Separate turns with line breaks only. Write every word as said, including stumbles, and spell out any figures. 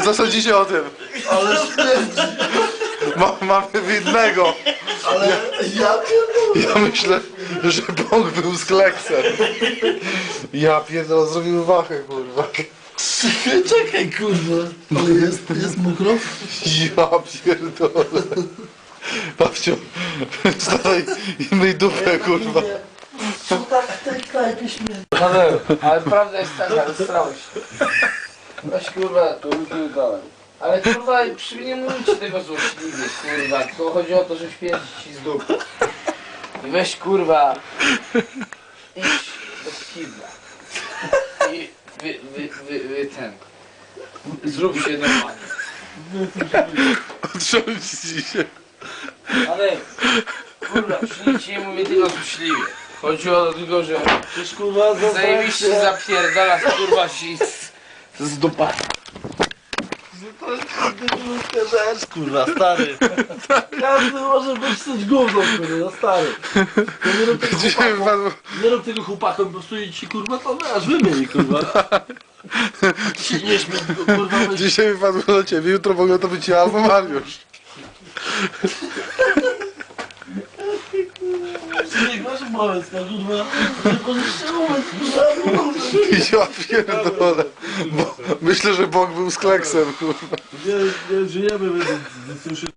Co sądzicie o tym?
Ale śmierdzi.
Ma, mamy winnego.
Ale ja pierdolę.
Ja myślę, że Bóg był z kleksem. Ja pierdolę, zrobił wachę, kurwa.
Czekaj, czekaj, kurwa. Ale jest, jest mokro?
Ja pierdolę. Babciu, wstawaj i myj dupę, kurwa.
Co tak w tej knajpie śmierdzi?
Paweł, ale prawda jest taka, rozstrałeś się. Weź kurwa, tu tu dałem. Ale kurwa, przy nie mówicie tego złośliwie, kurwa. Tylko chodzi o to, że śpierdzi ci z dupy. I weź kurwa, idź do kibla. I wy, wy, wy, wy ten. Zrób się normalnie.
Otrząśnij się.
Ale kurwa, przy nic nie mówię tylko złośliwie. Chodzi o to tylko, że
Przecież kurwa
zajebiście zapierdala kurwa się z, z dupa.
To jest kurde rzecz, kurwa, stary. Każdy może być coś gówną, kurwa, stary. To nie rób tego
Dzisiaj
chłopakom,
wypadło...
nie rób tego chłopakom, po prostu ci kurwa to aż wymieni, kurwa. Ci nie śmiej, kurwa, weź.
Dzisiaj wypadło do ciebie, jutro mogę to być ja albo Mariusz.
Nie masz moment, kurwa. Nie możesz się moment, kurwa.
Ja pierdolę. Bo myślę, że Bóg był z kleksem, kurwa.
Nie, nie żyjemy, więc już